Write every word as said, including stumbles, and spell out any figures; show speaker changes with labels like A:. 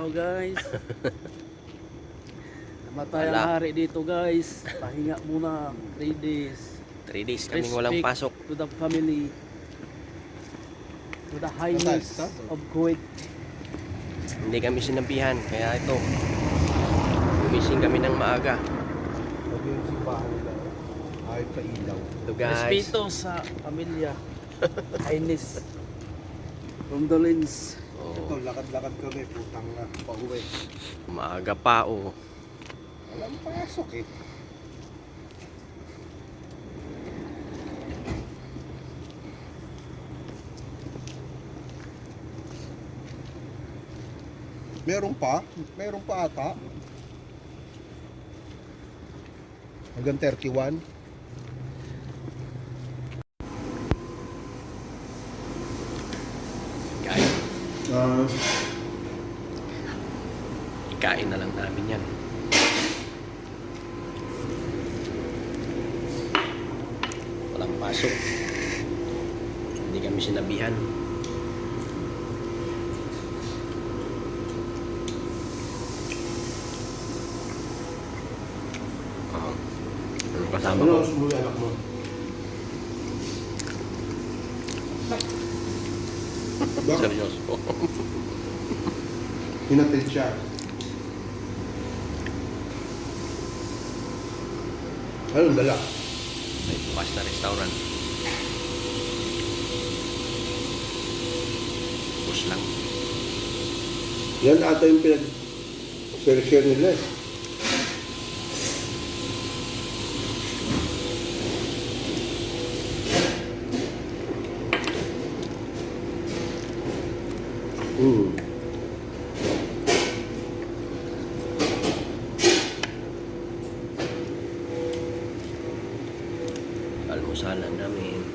A: araw guys. Namatay ang
B: Wala.
A: hari dito guys. Pahinga muna three days.
B: three days kaming walang
A: Respect
B: pasok.
A: to the family, to the highness of Kuwait.
B: Hindi kami sinabihan, kaya ito. Gumising kami ng maaga.
C: Huwag yung simbahan nila. Ayaw pa ilaw.
B: Ito guys.
A: Respeto sa pamilya. Highness. Condolence.
C: Ito,
B: Oh,
C: lakad-lakad kami. Putang na. Pauwi.
B: maaga pa oh.
C: Walang pasok eh. Meron pa? Meron pa ata? Hanggang thirty-one?
B: Kain.
C: Uh,
B: Ikain na lang namin yan. Walang pasok. Hindi kami sinabihan. Oh. Ano kasama ko?
C: sumuwi anak mo? Bakit?
B: Seryoso.
C: Hinatid siya. Anong dala?
B: May bukas na restaurant. Bus lang.
C: Yan ata yung pinag-share nila eh. Mm.
B: Almusalan namin.